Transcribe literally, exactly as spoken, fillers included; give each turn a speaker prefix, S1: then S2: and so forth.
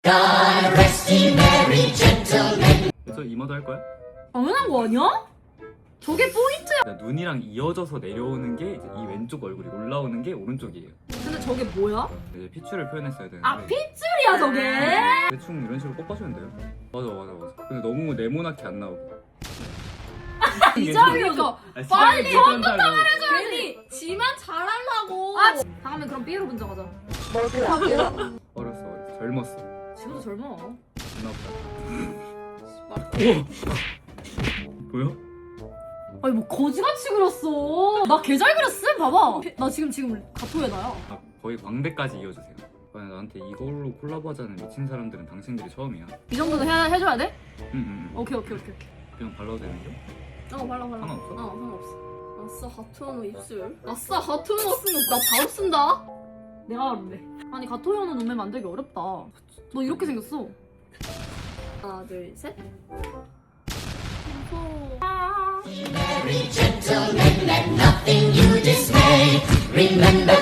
S1: God rest ye merry gentlemen.
S2: 그래서 이마도 할 거야?
S3: 당연한 거 아니야? 저게 포인트야.
S2: 그러니까 눈이랑 이어져서 내려오는 게 이제 이 왼쪽 얼굴이 올라오는 게 오른쪽이에요.
S3: 근데 저게 뭐야?
S2: 이제 피추를 표현했어야 되는데
S3: 아 핏줄이야 저게?
S2: 대충 이런 식으로 꺾어주면 돼요. 맞아 맞아 맞아. 근데 너무 네모나게 안 나오게.
S3: 이 점이니까
S2: 빨리
S3: 처음부터
S2: 말해줘야지.
S3: 괜히 지만 잘하려고. 아 다음에 그럼 삐에로 분장하자.
S2: 어렸어 어렸어 젊었어.
S3: 지금도 젊어.
S2: 누나보다. 우와. 보여?
S3: 아니 뭐 거지같이 그렸어. 나 개 잘 그렸음. 봐봐. 나 지금 지금 가토에다야.
S2: 아, 거의 광대까지 이어주세요. 만약 나한테 이걸로 콜라보하자는 미친 사람들은 당신들이 처음이야.
S3: 이 정도는 해, 해줘야 돼?
S2: 응응. 응, 응.
S3: 오케이 오케이 오케이 오케이.
S2: 그냥 발라도 되는데?
S4: 어 발라 발라.
S2: 상관없어?
S4: 어 상관없어. 아싸 가토현우 입술. 아싸 가토현우 쓰면 나 바로 쓴다.
S3: 내가 알았네. 아니 가토현우 눈매 만들기 어렵다. 너 이렇게 생겼어.
S4: 하나 둘 셋.
S1: Merry gentlemen, let nothing you dismay. Remember